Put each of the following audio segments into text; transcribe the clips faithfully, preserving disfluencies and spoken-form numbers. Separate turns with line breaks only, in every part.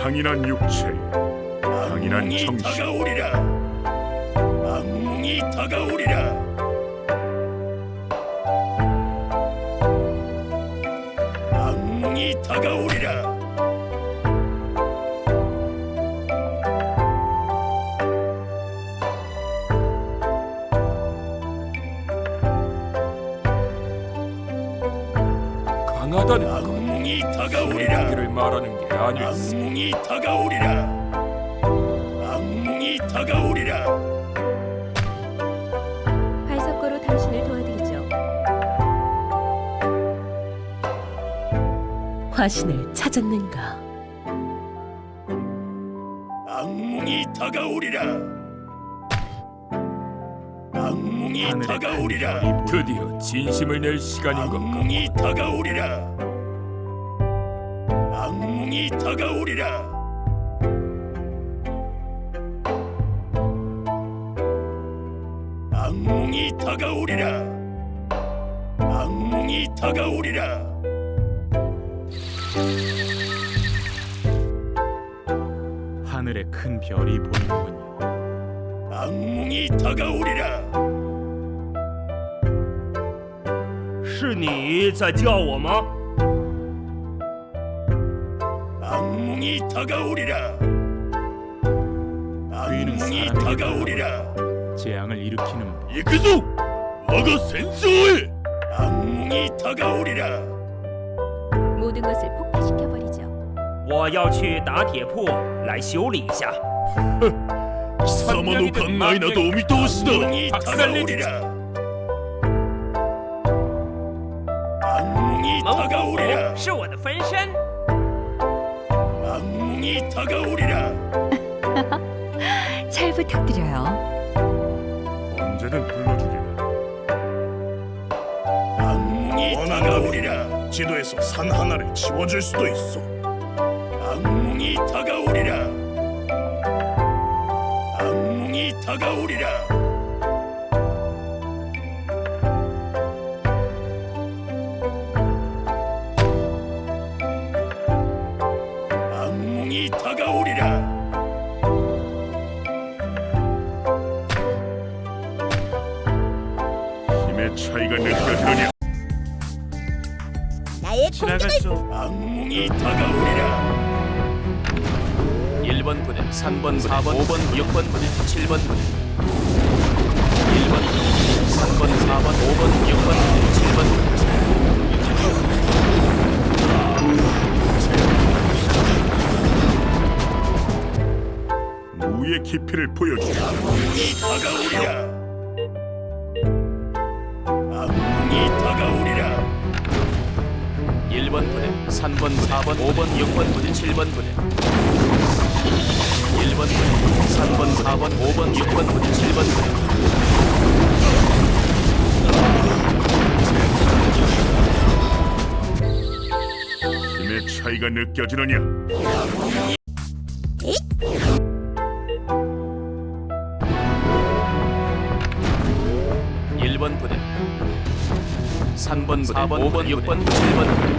강인한 육체, 강인한
악몽이
정신.
다가오리라. 악몽이 다가오리라. 악몽이 다가오리라.
강하다는 건
악몽이 다가오리라.
이를 말하는 게 아닐세.
악몽이 다가오리라. 악몽이 다가오리라.
활석거로 당신을 도와드리죠.
화신을 찾았는가?
악몽이 다가오리라. 악몽이
하늘의
다가오리라.
큰 별이
드디어 진심을 낼 시간인 건가?
악몽이 다가오리라. 악몽이 다가오리라. 악몽이 다가오리라. 악몽이 다가오리라.
하늘에 큰 별이 보이는군요.
악몽이 다가오리라.
是你在叫我吗？
악몽이 다가오리라.
귀는
악몽이
사람에게
다가오리라.
재앙을 일으키는
이그소 와가 센스오에. 악몽이 다가오리라.
모든 것을 폭파시켜버리죠.
我要去打铁铺来修理一下。
사마노 강나이나도 오미토시다. 악몽이
박살내주지.
다가오리라. 악몽이
猛虎
다가오리라.
是我的分身。
악몽이 다가오리라.
잘 부탁드려요.
언제든 불러주리라.
악몽이 다가오리라.
지도에서 산 하나를 지워줄 수도 있어.
악몽이 다가오리라. 악몽이 다가오리라. 악몽이 다가오리라.
힘의 차이가 느껴지느냐?
악몽이 다가오리라.
일 번 부대, 삼 번, 사 번, 오 번, 육 번 부대, 칠 번 부대. 일 번 부대, 삼 번, 사 번, 오 번, 육 번 부대, 칠 번 부대.
무의 깊이를 보여주라.
악몽이 다가오리라. 악몽이 다가오리라.
일 번 부대, 삼 번, 사 번, 오 번, 육 번 부대, 칠 번 부대. 일 번 부대, 삼 번, 사 번, 오 번, 육 번 부대, 칠 번 부대.
힘의 차이가 느껴지느냐?
일 번 부대, 삼 번, 사 번, 오 번, 육 번, 칠 번 부대.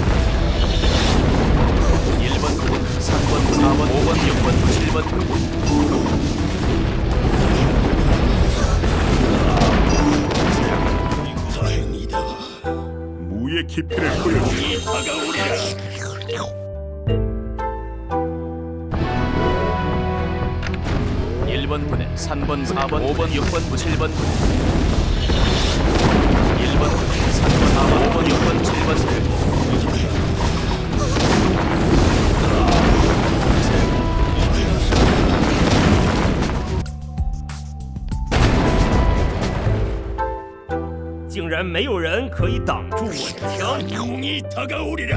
일 번 부대, 삼 번, 사 번, 오 번, 육 번, 칠 번 부대.
다행이다.
무의 깊이를 보여주라.
악몽이 다가오리라.
일 번 부대, 삼 번, 사 번, 오 번, 육 번, 칠 번 부대. 일 번 부대, 삼 번, 사 번, 오 번, 육 번, 칠 번 부대.
竟然没有人可以挡住我的枪。
악몽이 다가오리라.